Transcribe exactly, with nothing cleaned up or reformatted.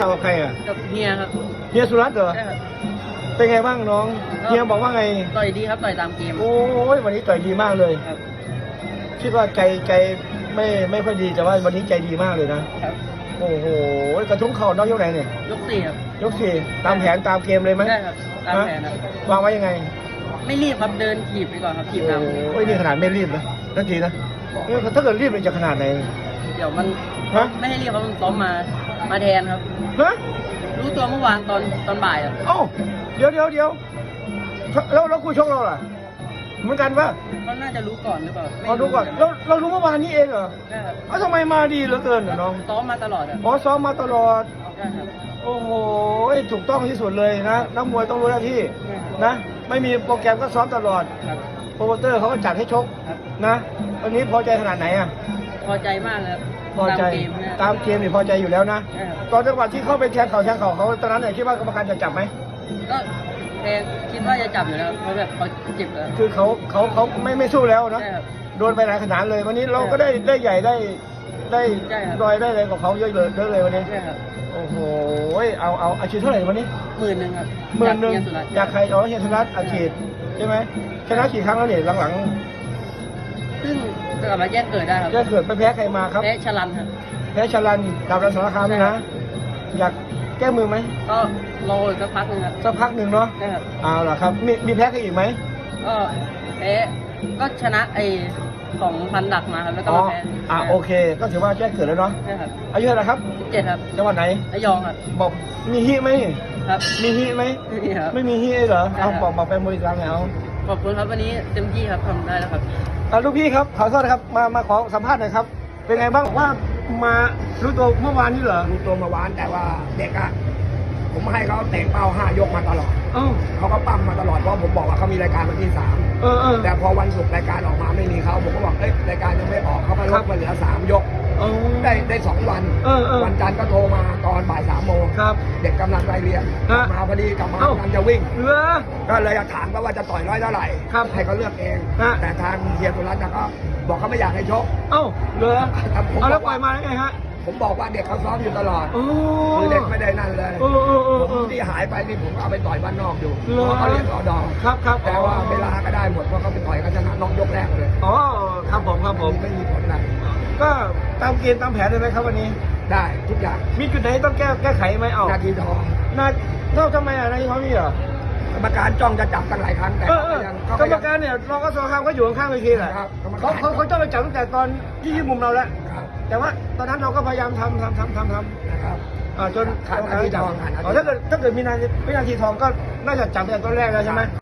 กับใครอ่ะกับเฮียครับเฮียสุรัตน์เหรอใช่ครับเป็นไงบ้างน้องเฮียบอกว่าไงต่อยดีครับต่อยตามเกมโอ้ยวันนี้ต่อยดีมากเลยครับคิดว่าใจใจไม่ไม่ค่อยดีแต่ว่าวันนี้ใจดีมากเลยนะครับโอ้โหกระทุ้งเข่าน้องยกไหนเนี่ยยกสี่ครับยกสี่ตามแผนตามเกมเลยไหมใช่ครับตามแผนครับวางไว้ยังไงไม่รีบครับเดินถีบไปก่อนครับถีบนำโอ้ยนี่ขนาดไม่รีบนะนาทีนะถ้าเกิดรีบมันจะขนาดไหนเดี๋ยวมันไม่ให้รีบครับมันซ้อมมามาแทนครับฮะรู้ตัวเมื่อวานตอนตอนบ่ายอ่ะเอ้าเดี๋ยวเดี๋ยวเดี๋ยวแล้วแล้วคู่ชกเราล่ะเหมือนกันปะเขาน่าจะรู้ก่อนหรือเปล่าอ๋อรู้ก่อนเราเรารู้เมื่อวานนี้เองเหรอใช่ครับเอ้าทำไมมาดีเหลือเกินน้องซ้อมมาตลอดอ่ะอ๋อซ้อมมาตลอดใช่ครับโอ้โหถูกต้องที่สุดเลยนะนักมวยต้องรู้หน้าที่นะไม่มีโปรแกรมก็ซ้อมตลอดโปรโมเตอร์เขาก็จัดให้ชกนะวันนี้พอใจขนาดไหนอ่ะพอใจมากเลยพอใจตามเกมนี่พอใจอยู่แล้วนะตอนจังหวะที่เข้าไปแทงเข่าแทงเข่าเขาตอนนั้นเนี่ยคิดว่ากรรมการจะจับไหมก็แทงคิดว่าจะจับอยู่แล้วเพราะแบบเขาเจ็บแล้วคือเขาเขาเขาไม่ไม่สู้แล้วนะโดนไปหลายขนาดเลยวันนี้เราก็ได้ได้ใหญ่ได้ได้รอยได้เลยกับเขาเยอะเลยเยอะเลยวันนี้โอ้โหเอาเอาอาชีพเท่าไหร่วันนี้หมื่นหนึ่งครับหมื่นหนึ่งอยากใครอ๋อเฮียสุรัตน์อาชีพใช่ไหมชนะกี่ครั้งแล้วเนี่ยหลังๆซึ่งกลับมาแยกเกิดได้ครับแยกเกิดไปแพ้ใครมาครับแพ้ชลันครับแพ้ชลันดาบรันสารคามนะอยากแก้มือไหมก็รออีกสักพักหนึ่งครับสักพักหนึ่งเนาะเอาล่ะครับมีมีแพ้ใครอีกไหมก็แพ้ก็ชนะไอ้ของพันดักมาครับแล้วก็มาแพ้อ่าโอเคก็ถือว่าแจ้งเกิดแล้วเนาะใช่ครับอายุเท่าไหร่ครับเจ็ดครับจังหวัดไหนระยองครับบอกมีฮิไหมครับมีฮิไหมไม่มีครับไม่มีฮิเหรอเอาบอกบอกไปมวยกลางเอาขอบคุณครับวันนี้เต็มที่ครับทำได้แล้วครับอ่าลูกพี่ครับขอโทษนะครับมามาขอสัมภาษณ์หน่อยครับเป็นไงบ้างว่ามารู้ตัวเมื่อวานนี้เหรอรู้ตัวเมื่อวานแต่ว่าเด็กอะผมให้เขาเตะเป้าห้ายกมาตลอดเขาก็ปั้มมาตลอดเพราะผมบอกว่าเขามีรายการวันที่สามแต่พอวันศุกร์รายการออกมาไม่มีเขาผมก็บอกเอ้ยรายการยังไม่ออกเขาก็ลดมาเหลือสามยกได้ได้สองวันวันจันทร์ก็โทรมาตอนบ่ายสามโมงเด็กกำลังไปเรียนมาพอดีกลับมากำลังจะวิ่งก็เลยถามเขาว่าจะต่อยร้อยเท่าไหร่ให้เขาเลือกเองแต่ทางเฮียสุรัตน์ก็บอกเขาไม่อยากให้ชกเอ้าเลยเอาแล้วปล่อยมาได้ไงฮะผมบอกว่าเด็กเขาซ้อมอยู่ตลอดคือเด็กไม่ได้นั่นเลยผมที่หายไปนี่ผมก็เอาไปต่อยบ้านนอกอยู่เพราะเขาเรียนรอดอครับครับแต่ว่าเวลาก็ได้หมดเพราะเขาไปต่อยกันชนะนอกยกแรกเลยอ๋อครับผมครับผมไม่มีผลอะไรก็ตามเกณฑ์ตามแผนเลยไหมครับวันนี้ได้ทุกอย่างมีจุดไหนต้องแก้แก้ไขไหมเอานาทีทองนาเท่าทำไมอ่ะนาทีทองมีเหรอกรรมการจ้องจะจับตั้งหลายครั้งแต่กรรมการเนี่ยรองกสคามก็อยู่ข้างๆเวทีแหละเขาเขาเขาจ้องไปจับตั้งแต่ตอนที่ยืนมุมเราแล้วแต่ว่าตอนนั้นเราก็พยายามทำทำทำทำทำนะครับจนขาดนาทีทองถ้าเกิดถ้าเกิดมีนาทีวินาทีทองก็น่าจะจับตั้งแต่ต้นแรกแล้วใช่ไหม